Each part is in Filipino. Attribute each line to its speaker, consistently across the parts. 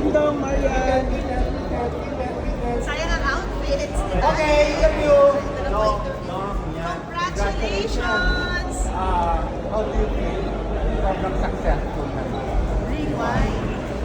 Speaker 1: Ding-dong, Marian.
Speaker 2: Sayang ang outfits.
Speaker 1: Okay, love you.
Speaker 2: No, congratulations!
Speaker 1: How do you feel? Sobrang successful naman.
Speaker 2: Rewind.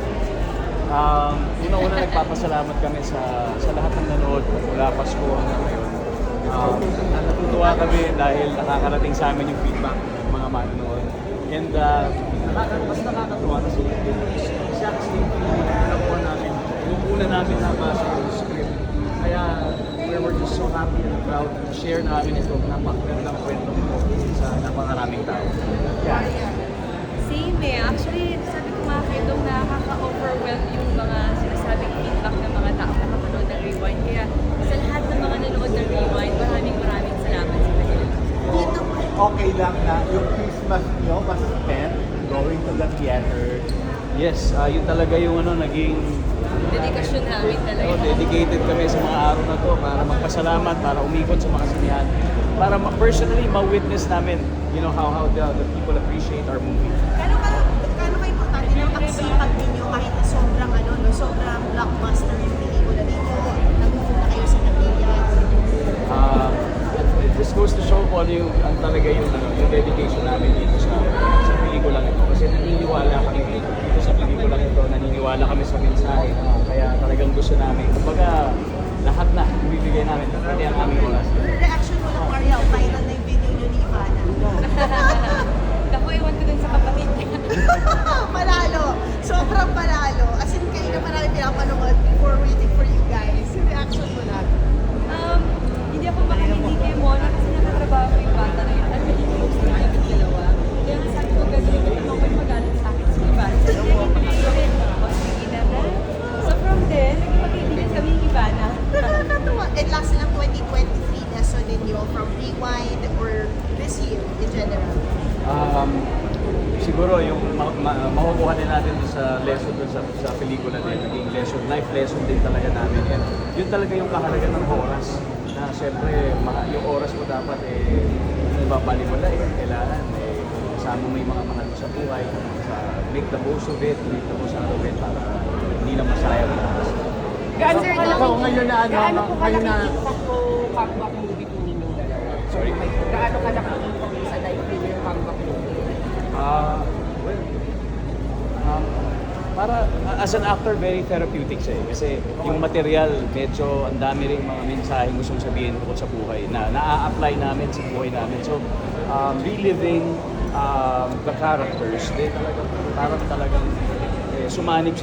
Speaker 3: Una-una nagpapasalamat kami sa lahat ng nanood mula Pasko hanggang ngayon. Natutuwa kami dahil nakakarating sa amin yung feedback ng mga manonood. And mas nakakatuwa kasi exact same feeling na nakuha namin yung una namin nabasa yung script. Kaya we're just so happy and proud to share namin ito napakagandang kwento mo sa napakaraming tao. Yeah.
Speaker 4: Same eh. Actually, sabi ko nga kayo, itong nakaka-overwhelm yung mga sinasabing feedback ng mga tao na kapanood ng Rewind. Kaya sa lahat ng mga nanood ng Rewind, maraming salamat sa kanila.
Speaker 1: Okay lang na yung Christmas nyo was spent going to the theater.
Speaker 3: Yes, yun talaga yung naging
Speaker 4: Dedikasyon namin talaga.
Speaker 3: dedicated kami sa mga araw na to para magpasalamat, para umikot sa mga sinihan, para personally ma-witness namin, how the people appreciate our movie.
Speaker 2: Kano ka importante ng pagsipag ninyo kahit na sobrang blockbuster yung pelikula ninyo? Nagpupunta kayo sa Napiyan.
Speaker 3: It just goes to show kung ano ang talaga yung dedication namin dito sa pelikulang ito. Kasi naniniwala kami dito sa pelikulang ito, naniniwala kami sa mensahe. Kaya talagang gusto namin. Kumbaga, lahat na ibibigay namin, pati ang aming oras.
Speaker 2: Reaction mo lang, Mariel, viral na yung video nyo ni Ivana.
Speaker 4: Naku, iwan ko dun sa kapatid niya.
Speaker 2: Panalo! Sobrang panalo. As in, kayo na marami pinapanood before waiting for you guys. Yung reaction mo lang.
Speaker 4: Hindi ako makahindi kay Mona kasi nakatrabaho ko yung bata na yun. At hindi close na kami dalawa. Kaya nga sabi ko, gagawin ko naman ko yung magalit sa akin sa Ivana. So, hindi ako sige naman. So from there, naging magkaibigan kami yung Ivana.
Speaker 2: Nakakatawa. And last ng 2023 lesson ninyo from Rewind or this year in general?
Speaker 3: Siguro yung makukuha din natin sa lesson dun sa pelikula din, naging life lesson din talaga namin. And yun talaga yung kahalaga ng oras. Na siyempre, yung oras mo dapat hindi babaliwala kailangan kasama mo yung mga mahal mo sa buhay, make the most of it, make the most out of it para hindi na masayang ang oras.
Speaker 1: Gaano ngayon na ngayon na
Speaker 5: comeback movie po ninyong dalawa?
Speaker 3: Sorry?
Speaker 5: Gaano ka nakakita sa live din yung comeback movie?
Speaker 3: Para as an actor, very therapeutic siya kasi yung material, medyo ang dami rin mga mensaheng gustong sabihin tungkol sa buhay na naa-apply namin sa buhay namin. So, reliving the characters, talagang sumanib